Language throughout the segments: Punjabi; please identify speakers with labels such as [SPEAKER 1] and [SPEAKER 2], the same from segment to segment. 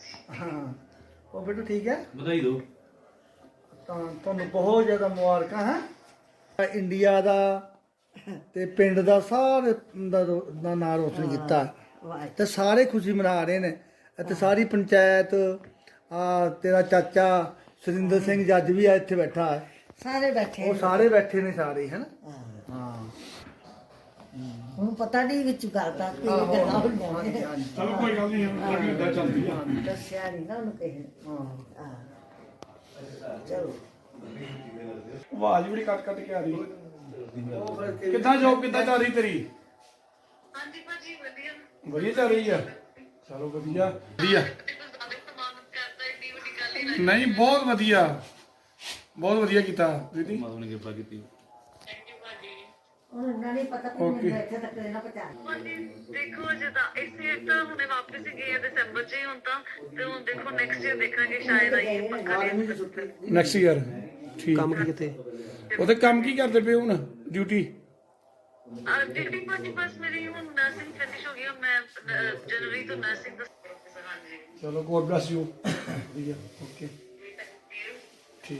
[SPEAKER 1] ਹਾਂ ਉਹ ਬੇਟਾ ਠੀਕ ਹੈ,
[SPEAKER 2] ਵਧਾਈ ਦਿਓ।
[SPEAKER 1] ਤਾਂ ਤੁਹਾਨੂੰ ਬਹੁਤ ਜ਼ਿਆਦਾ ਮੁਬਾਰਕਾਂ ਹੈ। ਇੰਡੀਆ ਦਾ ਤੇ ਪਿੰਡ ਦਾ ਸਾਰੇ ਦਾ ਨਾਂ ਰੋਸ਼ਨ ਕੀਤਾ ਤੇ ਸਾਰੇ ਖੁਸ਼ੀ ਮਨਾ ਰਹੇ ਨੇ ਅਤੇ ਸਾਰੀ ਪੰਚਾਇਤ। ਆ ਤੇਰਾ ਚਾਚਾ ਸੁਰਿੰਦਰ ਸਿੰਘ ਜੱਜ ਵੀ ਆ ਇੱਥੇ ਬੈਠਾ ਹੈ,
[SPEAKER 3] ਸਾਰੇ ਬੈਠੇ
[SPEAKER 1] ਉਹ ਸਾਰੇ ਬੈਠੇ ਨੇ ਸਾਰੇ ਹੈ ਨਾ। ਹਾਂ
[SPEAKER 3] ਹੁਣ ਪਤਾ ਨਹੀਂ ਵਿੱਚ ਗੱਲ ਦਾ ਕੀ
[SPEAKER 1] ਆਹੋ,
[SPEAKER 3] ਗੱਲਾਂ
[SPEAKER 1] ਹਾਂਜੀ,
[SPEAKER 3] ਹੋਈਆਂ
[SPEAKER 1] ਹਾਂਜੀ।
[SPEAKER 4] ਚਲੋ ਕੋਈ ਗੱਲ ਨਹੀਂ, ਇਦਾਂ ਚੱਲਦੀ ਆ।
[SPEAKER 3] ਦੱਸਿਆ ਨਹੀਂ ਨਾ ਉਹਨੂੰ ਕਿਸੇ ਨੇ।
[SPEAKER 1] ਹਾਂ
[SPEAKER 3] ਚਲੋ
[SPEAKER 4] ਆਵਾਜ਼ ਬੜੀ ਕੱਟ ਕੱਟ ਕੇ ਆ ਰਹੀ।
[SPEAKER 1] ਉਹ ਫਿਰ ਕਿ-
[SPEAKER 4] ਕਿੱਦਾਂ ਜੋਬ ਕਿੱਦਾਂ ਚੱਲ ਰਹੀ ਤੇਰੀ?
[SPEAKER 5] ਹਾਂਜੀ ਭਾਜੀ ਵਧੀਆ।
[SPEAKER 4] ਵਧੀਆ ਚੱਲ ਰਹੀ ਆ। ਚਲੋ ਵਧੀਆ ਵਧੀਆ।
[SPEAKER 5] ਜ਼ਿਆਦਾ ਸਮਾਨ ਕਰਦਾ ਏਡੀ ਵੱਡੀ ਗੱਲ ਹੀ
[SPEAKER 4] ਨਹੀਂ ਬਹੁਤ ਵਧੀਆ, ਬਹੁਤ ਵਧੀਆ ਕੀਤਾ ਦੀਦੀ।
[SPEAKER 2] ਮਾਤਾ ਨੇ ਕਿਰਪਾ ਕੀਤੀ।
[SPEAKER 5] ਥੈਂਕ ਯੂ ਭਾਜੀ।
[SPEAKER 3] ਹੁਣ ਇਹਨਾਂ ਨੇ ਪਤਾ ਕਿ
[SPEAKER 4] Okay.
[SPEAKER 3] ਮੈਨੂੰ ਇੱਥੇ ਤੱਕ ਇਹਨਾਂ ਪਹੁੰਚਾ
[SPEAKER 5] ਭਾਜੀ ਦੇਖੋ ਜਿੱਦਾਂ ਇਸੇ ਤਾਂ ਹੁਣੇ ਵਾਪਸ ਹੀ ਗਏ ਆ ਦਸੰਬਰ ਚ ਹੀ ਹੁਣ ਤਾਂ, ਤੇ ਹੁਣ ਦੇਖੋ ਨੈਕਸਟ ਈਅਰ ਦੇਖਾਂਗੇ ਸ਼ਾਇਦ ਆਈਏ ਪੱਕਾ
[SPEAKER 1] ਆਰਮੀ ਦੀ ਛੁੱਟੀ
[SPEAKER 4] ਨੈਕਸਟ ਈਅਰ ਠੀਕ। ਕੰਮ ਕੀ ਕਿਤੇ ਉਹਦੇ ਕੰਮ ਕੀ ਕਰਦੇ ਪਏ ਹੁਣ ਡਿਊਟੀ?
[SPEAKER 5] ਡਿਊਟੀ ਭਾਜੀ ਬਸ ਮੇਰੀ ਹੁਣ ਨਰਸਿੰਗ ਫਿਨਿਸ਼ ਹੋ ਗਈ, ਹੁਣ ਮੈਂ ਜਨਵਰੀ ਤੋਂ ਨਰਸਿੰਗ ਦਾ ਹਾਂਜੀ।
[SPEAKER 4] ਚਲੋ ਗੋਡ ਬlesਸ ਯੂ। ਵਧੀਆ ਓਕੇ ਠੀਕ।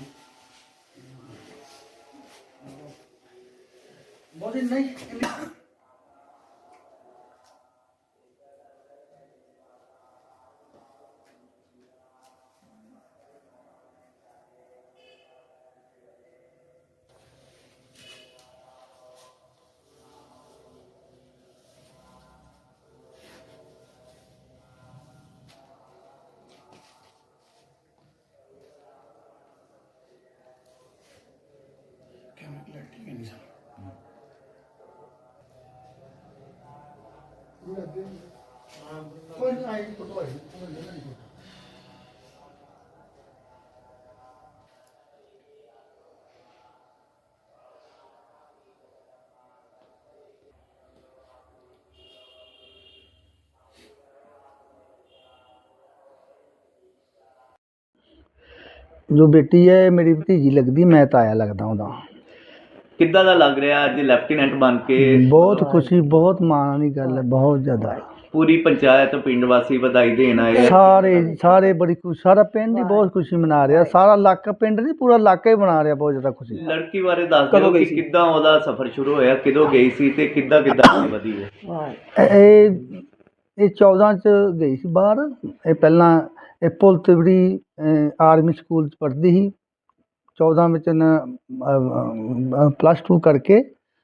[SPEAKER 1] ਬਹੁਤ ਨਹੀਂ ਕੋਈ ਨਹੀਂ ਆਈ ਫੋਟੋ ਆਈ ਜੋ ਬੇਟੀ ਹੈ ਮੇਰੀ ਭਤੀਜੀ ਲੱਗਦੀ, ਮੈਂ ਤਾਇਆ ਲੱਗਦਾ ਉਹਦਾ।
[SPEAKER 6] ਕਿੱਦਾਂ ਦਾ ਲੱਗ ਰਿਹਾ ਅੱਜ ਲੈਫਟੀਨੈਂਟ ਬਣ ਕੇ?
[SPEAKER 1] ਬਹੁਤ ਖੁਸ਼ੀ, ਬਹੁਤ ਮਾਣ ਵਾਲੀ ਗੱਲ ਹੈ, ਬਹੁਤ ਜ਼ਿਆਦਾ।
[SPEAKER 6] ਪੂਰੀ ਪੰਚਾਇਤ ਪਿੰਡ ਵਾਸੀ ਵਧਾਈ ਦੇਣ ਆਏ।
[SPEAKER 1] ਸਾਰੇ ਬੜੀ ਖੁਸ਼, ਸਾਰਾ ਪਿੰਡ ਹੀ ਬਹੁਤ ਖੁਸ਼ੀ ਮਨਾ ਰਿਹਾ, ਸਾਰਾ ਇਲਾਕਾ, ਪਿੰਡ ਨਹੀਂ ਪੂਰਾ ਇਲਾਕਾ ਹੀ ਮਨਾ ਰਿਹਾ ਬਹੁਤ ਜ਼ਿਆਦਾ ਖੁਸ਼ੀ।
[SPEAKER 6] ਲੜਕੀ ਬਾਰੇ ਦੱਸ ਦਿਓ ਕਿ ਕਿੱਦਾਂ ਉਹਦਾ ਸਫ਼ਰ ਸ਼ੁਰੂ ਹੋਇਆ, ਕਿਦੋਂ ਗਈ ਸੀ ਤੇ ਕਿੱਦਾਂ ਅੱਗੇ ਵਧੀ ਹੈ।
[SPEAKER 1] ਇਹ 14 ਚ ਗਈ ਸੀ ਬਾਹਰ। ਇਹ ਪਹਿਲਾਂ ਇਹ ਪੁਲ ਤਿਵੜੀ ਆਰਮੀ ਸਕੂਲ ਚ ਪੜ੍ਹਦੀ ਸੀ। 14 ਵਿੱਚ +2 ਕਰਕੇ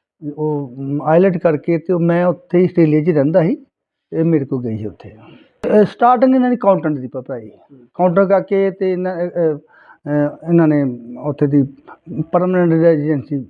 [SPEAKER 1] ਉਹ ਆਈਲੈਟ ਕਰਕੇ ਤੇ ਮੈਂ ਉੱਥੇ ਹੀ ਆਸਟ੍ਰੇਲੀਆ 'ਚ ਰਹਿੰਦਾ ਸੀ। ਇਹ ਮੇਰੇ ਕੋਲ ਗਈ ਸੀ ਉੱਥੇ। ਸਟਾਰਟਿੰਗ ਇਹਨਾਂ ਦੀ ਅਕਾਊਂਟੈਂਟ ਦੀ ਪੜ੍ਹਾਈ, ਕਾਊਂਟਰ ਕਰਕੇ ਤੇ ਇਹਨਾਂ ਨੇ ਉੱਥੇ ਦੀ ਪਰਮਾਨੈਂਟ ਰੈਜ਼ੀਡੈਂਸੀ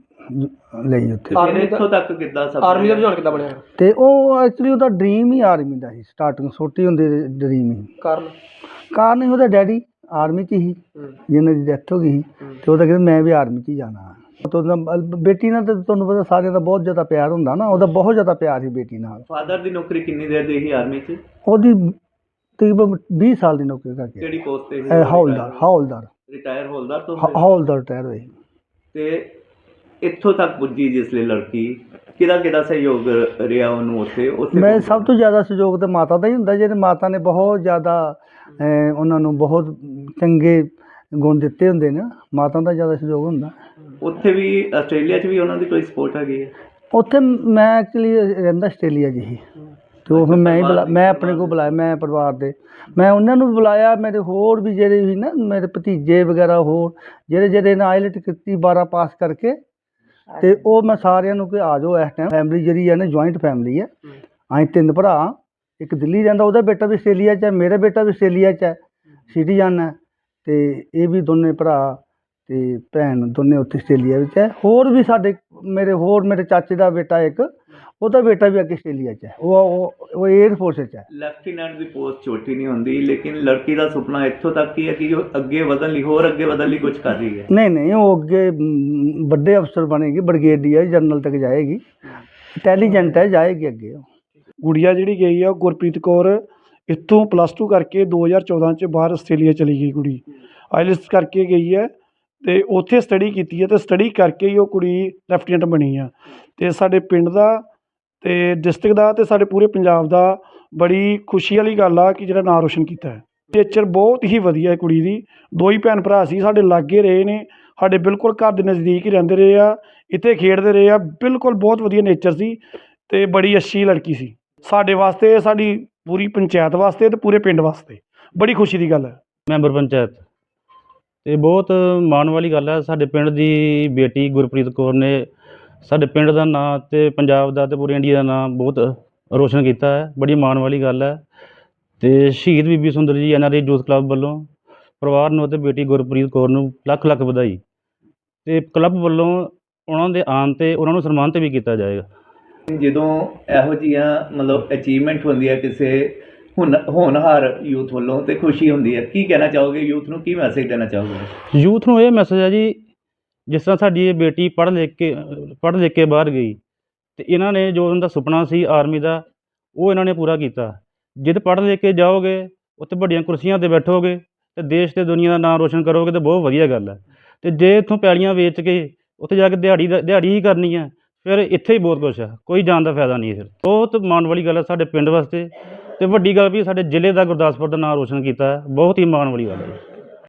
[SPEAKER 1] ਲਈ ਉੱਥੇ।
[SPEAKER 6] ਫਿਰ ਇੱਥੋਂ ਤੱਕ ਕਿੱਦਾਂ ਸਫ਼ਰ
[SPEAKER 4] ਆਰਮੀ ਦਾ ਰੁਝਾਨ ਕਿੱਦਾਂ ਬਣਿਆ?
[SPEAKER 1] ਤੇ ਉਹ ਐਕਚੁਅਲੀ ਉਹਦਾ ਡਰੀਮ ਹੀ ਆਰਮੀ ਦਾ ਸੀ, ਸਟਾਰਟਿੰਗ ਛੋਟੀ ਹੁੰਦੀ ਡਰੀਮ ਹੀ। ਕਾਰਨ ਹੀ ਉਹਦਾ ਡੈਡੀ ਆਰਮੀ 'ਚ ਹੀ, ਜਿਹਨਾਂ ਦੀ ਡੈਥ ਹੋ ਗਈ ਸੀ, ਤੇ ਉਹਦਾ ਕਹਿੰਦਾ ਮੈਂ ਵੀ ਆਰਮੀ 'ਚ ਹੀ ਜਾਣਾ। ਬੇਟੀ ਨਾਲ ਤਾਂ ਤੁਹਾਨੂੰ ਪਤਾ ਸਾਰਿਆਂ ਦਾ ਬਹੁਤ ਜ਼ਿਆਦਾ ਪਿਆਰ ਹੁੰਦਾ ਨਾ, ਉਹਦਾ ਬਹੁਤ ਜ਼ਿਆਦਾ ਪਿਆਰ ਸੀ ਬੇਟੀ ਨਾਲ।
[SPEAKER 6] ਫਾਦਰ ਦੀ ਨੌਕਰੀ ਕਿੰਨੀ ਦੇਰ ਦੀ ਸੀ ਆਰਮੀ 'ਚ?
[SPEAKER 1] ਉਹਦੀ ਤਕਰੀਬਨ 20 ਸਾਲ ਦੀ ਨੌਕਰੀ ਕਰਕੇ
[SPEAKER 6] ਕਿਹੜੀ ਪੋਸਟ ਤੇ ਸੀ?
[SPEAKER 1] ਹੌਲਦਾਰ
[SPEAKER 6] ਰਿਟਾਇਰ ਹੌਲਦਾਰ ਤੋਂ?
[SPEAKER 1] ਹੌਲਦਾਰ ਰਿਟਾਇਰ ਹੋਏ।
[SPEAKER 6] ਤੇ ਇੱਥੋਂ ਤੱਕ ਪੁੱਜੀ ਜਿਸ ਲਈ ਲੜਕੀ, ਕਿਹਦਾ ਸਹਿਯੋਗ ਰਿਹਾ ਉਹਨੂੰ ਉੱਥੇ?
[SPEAKER 1] ਮੈਂ ਸਭ ਤੋਂ ਜ਼ਿਆਦਾ ਸਹਿਯੋਗ ਤਾਂ ਮਾਤਾ ਦਾ ਹੀ ਹੁੰਦਾ, ਜਿਹਦੇ ਮਾਤਾ ਨੇ ਬਹੁਤ ਜ਼ਿਆਦਾ ਉਹਨਾਂ ਨੂੰ ਬਹੁਤ ਚੰਗੇ ਗੁਣ ਦਿੱਤੇ ਹੁੰਦੇ ਨੇ, ਮਾਤਾ ਦਾ ਜ਼ਿਆਦਾ ਸਹਿਯੋਗ ਹੁੰਦਾ।
[SPEAKER 6] ਉੱਥੇ ਵੀ ਆਸਟ੍ਰੇਲੀਆ 'ਚ ਵੀ ਉਹਨਾਂ ਦੀ ਕੋਈ ਸਪੋਰਟ ਹੈਗੀ ਹੈ?
[SPEAKER 1] ਉੱਥੇ ਮੈਂ ਐਕਚੁਅਲੀ ਰਹਿੰਦਾ ਆਸਟ੍ਰੇਲੀਆ 'ਚ ਹੀ, ਤੇ ਉਹ ਫਿਰ ਮੈਂ ਆਪਣੇ ਕੋਲ ਬੁਲਾਇਆ, ਮੈਂ ਪਰਿਵਾਰ ਦੇ ਮੈਂ ਉਹਨਾਂ ਨੂੰ ਵੀ ਬੁਲਾਇਆ। ਮੇਰੇ ਹੋਰ ਵੀ ਜਿਹੜੇ ਵੀ ਨਾ ਮੇਰੇ ਭਤੀਜੇ ਵਗੈਰਾ ਹੋਰ ਜਿਹੜੇ ਨੇ ਆਈਲੈਟ ਕੀਤੀ 12 ਪਾਸ ਕਰਕੇ, ਤੇ ਉਹ ਮੈਂ ਸਾਰਿਆਂ ਨੂੰ ਕਿ ਆ ਜਾਓ। ਇਸ ਟਾਈਮ ਫੈਮਿਲੀ ਜਿਹੜੀ ਹੈ ਨਾ ਜੁਆਇੰਟ ਫੈਮਿਲੀ ਹੈ। ਅਸੀਂ 3 ਭਰਾ, ਇੱਕ ਦਿੱਲੀ ਰਹਿੰਦਾ, ਉਹਦਾ ਬੇਟਾ ਵੀ ਆਸਟ੍ਰੇਲੀਆ 'ਚ ਹੈ, ਮੇਰਾ ਬੇਟਾ ਵੀ ਆਸਟ੍ਰੇਲੀਆ 'ਚ ਹੈ, ਸਿਟੀਜ਼ਨ ਹੈ, ਤੇ ਇਹ ਵੀ ਦੋਨੇ ਭਰਾ ਤੇ ਭੈਣ ਦੋਨੇ ਉੱਥੇ ਆਸਟ੍ਰੇਲੀਆ ਵਿੱਚ ਹੈ। ਹੋਰ ਵੀ ਸਾਡੇ ਮੇਰੇ ਚਾਚੇ ਦਾ ਬੇਟਾ ਇੱਕ, ਉਹਦਾ ਬੇਟਾ ਵੀ ਅੱਗੇ ਆਸਟ੍ਰੇਲੀਆ 'ਚ ਹੈ, ਉਹ 에ਅਰ ਫੋਰਸ 'ਚ ਹੈ।
[SPEAKER 6] ਲੈਫਟੀਨੈਂਟ ਦੀ ਪੋਸਟ ਛੋਟੀ ਨਹੀਂ ਹੁੰਦੀ, ਲੇਕਿਨ ਲੜਕੀ ਦਾ ਸੁਪਨਾ ਇੱਥੋਂ ਤੱਕ ਹੀ ਹੈ ਕਿ ਉਹ ਅੱਗੇ ਵਧਣ ਲਈ ਕੁਝ ਕਰ ਰਹੀ ਹੈ।
[SPEAKER 1] ਨਹੀਂ ਉਹ ਅੱਗੇ ਵੱਡੇ ਅਫਸਰ ਬਣੇਗੀ, ਬ੍ਰਿਗੇਡੀਅਰ ਜਨਰਲ ਤੱਕ ਜਾਏਗੀ, ਇੰਟੈਲੀਜੈਂਟ ਹੈ, ਜਾਏਗੀ ਅੱਗੇ।
[SPEAKER 4] ਗੁੜੀਆ ਜਿਹੜੀ ਗਈ ਆ ਉਹ ਗੁਰਪ੍ਰੀਤ ਕੌਰ ਇੱਥੋਂ +2 ਕਰਕੇ 2014 ਚ ਬਾਹਰ ਆਸਟ੍ਰੇਲੀਆ ਚਲੀ ਗਈ ਕੁੜੀ। ਆਈਲੈਟਸ ਕਰਕੇ ਗਈ ਹੈ ਤੇ ਉੱਥੇ ਸਟੱਡੀ ਕੀਤੀ ਹੈ, ਤੇ ਸਟੱਡੀ ਕਰਕੇ ਹੀ ਉਹ ਕੁੜੀ ਲੈਫਟੀਨੈਂਟ ਬਣੀ ਆ। ਤੇ ਸਾਡੇ ਪਿੰਡ ਦਾ ਤੇ ਡਿਸਟ੍ਰਿਕਟ ਦਾ ਤੇ ਸਾਡੇ ਪੂਰੇ ਪੰਜਾਬ ਦਾ ਬੜੀ ਖੁਸ਼ੀ ਵਾਲੀ ਗੱਲ ਆ ਕਿ ਜਿਹੜਾ ਨਾਂ ਰੋਸ਼ਨ ਕੀਤਾ ਹੈ। ਨੇਚਰ ਬਹੁਤ ਹੀ ਵਧੀਆ ਹੈ ਕੁੜੀ ਦੀ। ਦੋ ਹੀ ਭੈਣ ਭਰਾ ਸੀ, ਸਾਡੇ ਲਾਗੇ ਰਹੇ ਨੇ, ਸਾਡੇ ਬਿਲਕੁਲ ਘਰ ਦੇ ਨਜ਼ਦੀਕ ਹੀ ਰਹਿੰਦੇ ਰਹੇ ਆ, ਇੱਥੇ ਖੇਡਦੇ ਰਹੇ ਆ। ਬਿਲਕੁਲ ਬਹੁਤ ਵਧੀਆ ਨੇਚਰ ਸੀ ਅਤੇ ਬੜੀ ਅੱਛੀ ਲੜਕੀ ਸੀ ਸਾਡੇ ਵਾਸਤੇ, ਸਾਡੀ ਪੂਰੀ ਪੰਚਾਇਤ ਵਾਸਤੇ ਅਤੇ ਪੂਰੇ ਪਿੰਡ ਵਾਸਤੇ ਬੜੀ ਖੁਸ਼ੀ ਦੀ ਗੱਲ ਹੈ।
[SPEAKER 2] ਮੈਂਬਰ ਪੰਚਾਇਤ ਅਤੇ ਬਹੁਤ ਮਾਣ ਵਾਲੀ ਗੱਲ ਹੈ। ਸਾਡੇ ਪਿੰਡ ਦੀ ਬੇਟੀ ਗੁਰਪ੍ਰੀਤ ਕੌਰ ਨੇ ਸਾਡੇ ਪਿੰਡ ਦਾ ਨਾਂ ਅਤੇ ਪੰਜਾਬ ਦਾ ਅਤੇ ਪੂਰੇ ਇੰਡੀਆ ਦਾ ਨਾਂ ਬਹੁਤ ਰੋਸ਼ਨ ਕੀਤਾ ਹੈ। ਬੜੀ ਮਾਣ ਵਾਲੀ ਗੱਲ ਹੈ। ਅਤੇ ਸ਼ਹੀਦ ਬੀਬੀ ਸੁੰਦਰ ਜੀ NRI ਯੂਥ ਕਲੱਬ ਵੱਲੋਂ ਪਰਿਵਾਰ ਨੂੰ ਅਤੇ ਬੇਟੀ ਗੁਰਪ੍ਰੀਤ ਕੌਰ ਨੂੰ ਲੱਖ ਲੱਖ ਵਧਾਈ। ਅਤੇ ਕਲੱਬ ਵੱਲੋਂ ਉਹਨਾਂ ਦੇ ਆਉਣ 'ਤੇ ਉਹਨਾਂ ਨੂੰ ਸਨਮਾਨਿਤ ਵੀ ਕੀਤਾ ਜਾਏਗਾ।
[SPEAKER 6] ਜਦੋਂ ਇਹੋ ਜਿਹੀਆਂ ਮਤਲਬ ਅਚੀਵਮੈਂਟ ਹੁੰਦੀ ਹੈ ਕਿਸੇ ਹੋਣਹਾਰ ਯੂਥ ਵੱਲੋਂ ਤੇ ਖੁਸ਼ੀ ਹੁੰਦੀ ਹੈ। ਕੀ ਕਹਿਣਾ ਚਾਹੋਗੇ ਯੂਥ ਨੂੰ, ਕੀ ਮੈਸੇਜ ਦੇਣਾ ਚਾਹੋਗੇ?
[SPEAKER 2] ਯੂਥ ਨੂੰ ਇਹ ਮੈਸੇਜ ਹੈ ਜੀ, ਜਿਸ ਤਰ੍ਹਾਂ ਸਾਡੀ ਇਹ ਬੇਟੀ ਪੜ੍ਹ ਲਿਖ ਕੇ ਬਾਹਰ ਗਈ ਅਤੇ ਇਹਨਾਂ ਨੇ ਜੋ ਉਹਨਾਂ ਦਾ ਸੁਪਨਾ ਸੀ ਆਰਮੀ ਦਾ, ਉਹ ਇਹਨਾਂ ਨੇ ਪੂਰਾ ਕੀਤਾ। ਜਿੱਦ ਪੜ੍ਹ ਲਿਖ ਕੇ ਜਾਓਗੇ, ਉੱਥੇ ਵੱਡੀਆਂ ਕੁਰਸੀਆਂ 'ਤੇ ਬੈਠੋਗੇ ਅਤੇ ਦੇਸ਼ ਅਤੇ ਦੁਨੀਆ ਦਾ ਨਾਮ ਰੋਸ਼ਨ ਕਰੋਗੇ, ਤਾਂ ਬਹੁਤ ਵਧੀਆ ਗੱਲ ਹੈ। ਅਤੇ ਜੇ ਇੱਥੋਂ ਪੈਲੀਆਂ ਵੇਚ ਕੇ ਉੱਥੇ ਜਾ ਕੇ ਦਿਹਾੜੀ ਹੀ ਕਰਨੀ ਹੈ, ਫਿਰ ਇੱਥੇ ਹੀ ਬਹੁਤ ਕੁਛ ਹੈ, ਕੋਈ ਜਾਣ ਦਾ ਫਾਇਦਾ ਨਹੀਂ ਹੈ। ਫਿਰ ਬਹੁਤ ਮਾਣ ਵਾਲੀ ਗੱਲ ਹੈ ਸਾਡੇ ਪਿੰਡ ਵਾਸਤੇ, ਅਤੇ ਵੱਡੀ ਗੱਲ ਵੀ ਸਾਡੇ ਜ਼ਿਲ੍ਹੇ ਦਾ, ਗੁਰਦਾਸਪੁਰ ਦਾ ਨਾਮ ਰੋਸ਼ਨ ਕੀਤਾ ਹੈ। ਬਹੁਤ ਹੀ ਮਾਣ ਵਾਲੀ ਗੱਲ ਹੈ।